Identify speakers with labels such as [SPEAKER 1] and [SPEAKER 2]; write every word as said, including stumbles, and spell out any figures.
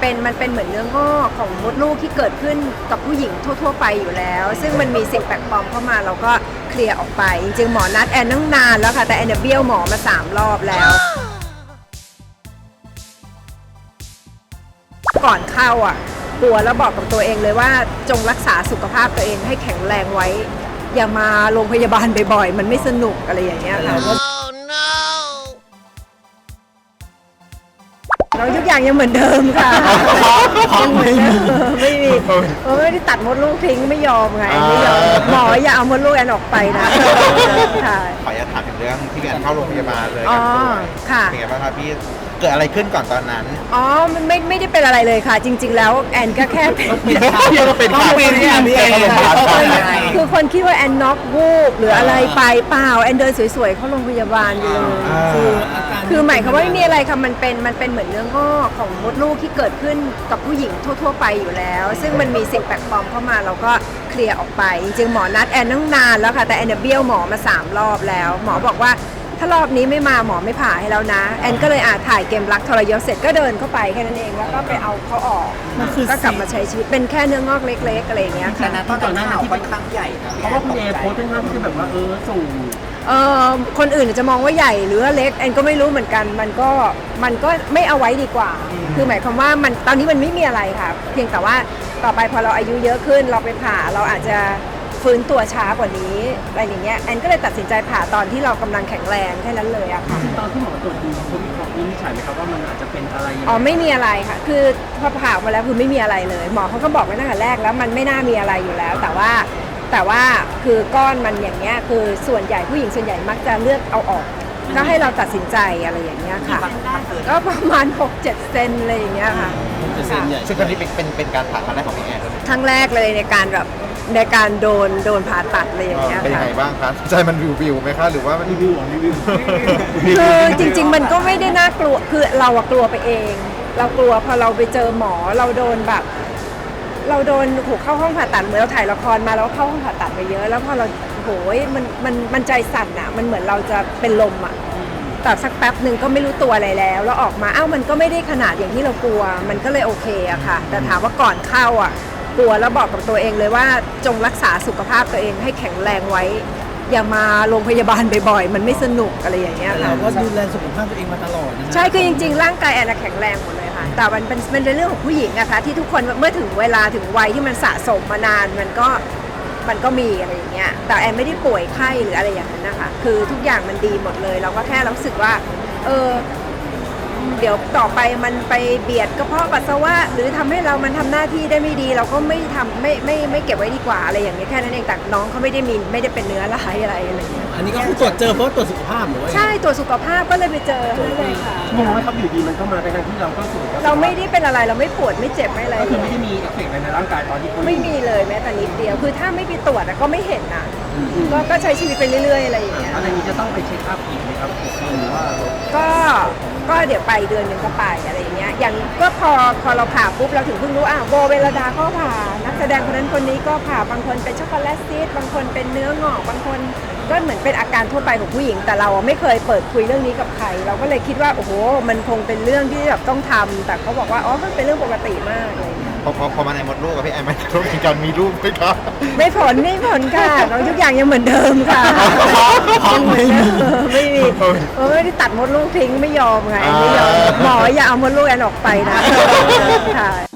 [SPEAKER 1] เป็นมันเป็นเหมือนเนื้องอกของมดลูกที่เกิดขึ้นกับผู้หญิงทั่วๆไปอยู่แล้ว ซึ่งมันมีสิ่งแปลกปลอมเข้ามาเราก็เคลียร์ออกไปจริงๆหมอนัดแอนตั้งนานแล้วค่ะแต่แอนเบี้ยวหมอมาสามรอบแล้วก่อนเข้าอ่ะกลัวแล้วบอกกับตัวเองเลยว่าจงรักษาสุขภาพตัวเองให้แข็งแรงไว้อย่ามาโรงพยาบาลบ่อยๆมันไม่สนุกอะไรอย่างเงี้ยค่ะเราทุกอย่างยังเหมือนเดิมค่ะยังเหมือนเดิมไม่มีเออไม่ได้ตัดมดลูกทิ้งไม่ยอมไงไม่ยอมหมออย่าเอามดลูกแอนออกไปนะค่ะ
[SPEAKER 2] ขออนุญาตถามถึงเรื่องที่แอนเข้าโรงพยาบาลเลย
[SPEAKER 1] อ๋อค่ะ
[SPEAKER 2] เป็นไงบ้างครับพี่เกิดอะไรขึ้นก่อนตอนนั้น
[SPEAKER 1] อ๋อมันไม่ไม่ได้เป็นอะไรเลยค่ะจริงๆแล้วแอนก็แค่เป็น
[SPEAKER 2] พี่ก็เป็นข่าวที่แอนนี่เอง
[SPEAKER 1] คือคนคิดว่าแอนน็อกวูบหรืออะไรไปเปล่าแอนเดินสวยๆเข้าโรงพยาบาลอยู่เลยคือคือหมายความว่าไม่มีอะไรค่ะมันเป็นมันเป็นเหมือนเนื้องอกของมดลูกที่เกิดขึ้นกับผู้หญิงทั่วๆไปอยู่แล้ว ซึ่งมันมีสิ่งแปลกปลอมเข้ามาเราก็เคลียร์ออกไปจริงๆหมอนัดแอนตั้งนานแล้วค่ะแต่แอนเบี้ยวหมอมาสามรอบแล้วหมอบอกว่าถ้ารอบนี้ไม่มาหมอไม่ผ่าให้แล้วนะแอนก็เลยอาถ่ายเกมรักทรยศเสร็จก็เดินเข้าไปแค่นั้นเองแล้วก็ไปเอาเขาออกก็กลับมาใช้ชีวิตเป็นแค่เนื้องอกเล็กๆอะไรอย่างเงี้ยค่ะ
[SPEAKER 3] ตอนตอนนั้นที่เป็นครั้งใหญ่นะเพราะว่าคุณเอโพสต์เป็นภาพที่แบบว่าเออสูง
[SPEAKER 1] เออคนอื่นจะมองว่าใหญ่หรือว่าเล็กแอนก็ไม่รู้เหมือนกันมันก็มันก็ไม่เอาไว้ดีกว่าคือหมายความว่ามันตอนนี้มันไม่มีอะไรค่ะเพียงแต่ว่าต่อไปพอเราอายุเยอะขึ้นเราไปผ่าเราอาจจะฟื้นตัวช้ากว่านี้อะไรอย่างเงี้ยแอนก็เลยตัดสินใจผ่าตอนที่เรากำลังแข็งแรงแค่นั้นเลยอะค่ะ
[SPEAKER 3] ตอนที่หมอตรวจดูเขามีของวินิจฉัยไหมครับว่ามันอาจจะเป็นอะไร
[SPEAKER 1] อ๋อไม่มีอะไรค่ะคือพอผ่ามาแล้วคือไม่มีอะไรเลยหมอเขาก็บอกไว้ตั้งแต่แรกแล้วมันไม่น่ามีอะไรอยู่แล้ว แต่ว่าแต่ว่าคือก้อนมันอย่างเงี้ยคือส่วนใหญ่ผู้หญิงส่วนใหญ่มักจะเลือกเอาออกก็ให้เราตัดสินใจอะไรอย่างเงี้ยค่ะก็ประมาณ หกเจ็ด เซนอะไรอย่างเงี้ยค่ะ
[SPEAKER 2] ซึ่งครั้งนี้เป็นเป็นเป็นการผ่าครั้งแรกของพี่แอน
[SPEAKER 1] ครั้งแรกเลยในการแบบในการโดนโดนผ่าตัดอะไรอย่างเงี้ยค่ะ
[SPEAKER 2] เป็นยังไงบ้างครับใจมันวิววิวไหมคะหรือว่ามัน
[SPEAKER 3] รีวิวรีวิว
[SPEAKER 1] คือจริงๆมันก็ไม่ได้น่ากลัวคือเราอะกลัวไปเอง เรากลัวพอเราไปเจอหมอเราโดนแบบเราโดนถูกเข้าห้องผ่าตัดเหมือนเราถ่ายละครมาแล้วเข้าห้องผ่าตัดไปเยอะแล้วพอเราโหยมันมันมันใจสั่นอะมันเหมือนเราจะเป็นลมอะแต่สักแป๊บหนึ่งก็ไม่รู้ตัวอะไรแล้วแล้วออกมาอ้าวมันก็ไม่ได้ขนาดอย่างที่เรากลัวมันก็เลยโอเคอะค่ะแต่ถามว่าก่อนเข้าอะกลัวแล้วบอกกับตัวเองเลยว่าจงรักษาสุขภาพตัวเองให้แข็งแรงไว้อย่ามาโรงพยาบาลบ่อยๆมันไม่สนุกอะไรอย่างเงี้ยค่ะ
[SPEAKER 3] เราก็ดูแลสุขภาพตัวเองมาตลอดนะ
[SPEAKER 1] ใช่คือจริงๆร่างกายแอนแข็งแรงหมดเลยค่ะแต่มันเป็นมันเป็นเรื่องของผู้หญิงอะค่ะที่ทุกคนเมื่อถึงเวลาถึงวัยที่มันสะสมมานานมันก็มันก็มีอะไรอย่างเงี้ยแต่แอนไม่ได้ป่วยไข้หรืออะไรอย่างนั้นนะคะคือทุกอย่างมันดีหมดเลยเราก็แค่รู้สึกว่าเออเดี๋ยวต่อไปมันไปเบียดกระเพาะปัสสาวะหรือทำให้เรามันทำหน้าที่ได้ไม่ดีเราก็ไม่ทำไม่ไม่ไม่เก็บไว้ดีกว่าอะไรอย่างเงี้ยแค่นั้นเองแต่น้องเขาไม่ได้มีไม่ได้เป็นเนื้อร้ายอะไรอะไรอย่างเงี้ย
[SPEAKER 3] อันนี้ก็คือตรวจเจอเพราะตรวจสุขภาพหรือว่า
[SPEAKER 1] ใช่ตรวจสุขภาพก็เลยไปเจอเลยค่ะ
[SPEAKER 3] งงไหมครับอยู่ดีมันก็มาในทางที่เราก็สูง
[SPEAKER 1] เราไม่ได้เป็นอะไรเราไม่ปวดไม่เจ็บไม่อะไร
[SPEAKER 3] ก็คือไม่ได้มีเอฟเฟกต์ในร่างกายตอนที่
[SPEAKER 1] ไม่มีเลยแม้แต่นิดเดียวคือถ้าไม่ไปตรวจก็ไม่เห็นนะก็ก็ใช้ชีวิตไปเรื่อยๆอะไรอย่างเงี้ย
[SPEAKER 3] อะไรนี้จะต้องไปเช็คอัพอีกไหมครับหรือว่า
[SPEAKER 1] ก็ก็เดี๋ยวไปเดือนหนึ่งก็ไปอะไรอย่างเงี้ยอย่างก็พอพอเราผ่าปุ๊บเราถึงเพิ่งรู้อ่ะโบเวลดาก็ผ่านักแสดงคนนั้นคนนี้ก็ผ่าบางคนเป็นช็อกโกแลตซีสบางคนเป็นเนื้องอกบางคนก็เหมือนเป็นอาการทั่วไปของผู้หญิงแต่เราไม่เคยเปิดคุยเรื่องนี้กับใครเราก็เลยคิดว่าโอ้โหมันคงเป็นเรื่องที่แบบต้องทำแต่เขาบอกว่าอ๋อมันเป็นเรื่องปกติมากเลย
[SPEAKER 2] พอพอพอมาในมดลูกกับพี่แอนมันต้องมีการมีรูปไหมครับ
[SPEAKER 1] ไม่ผลไม่ผลค่ะเราทุกอย่างยังเหมือนเดิมค่ะยังเหมือนเดิมไม่มีเออไม่ได้ตัดมดลูกทิ้งไม่ยอมไงไม่ยอมหมออย่าเอามดลูกแอนออกไปนะค่ะ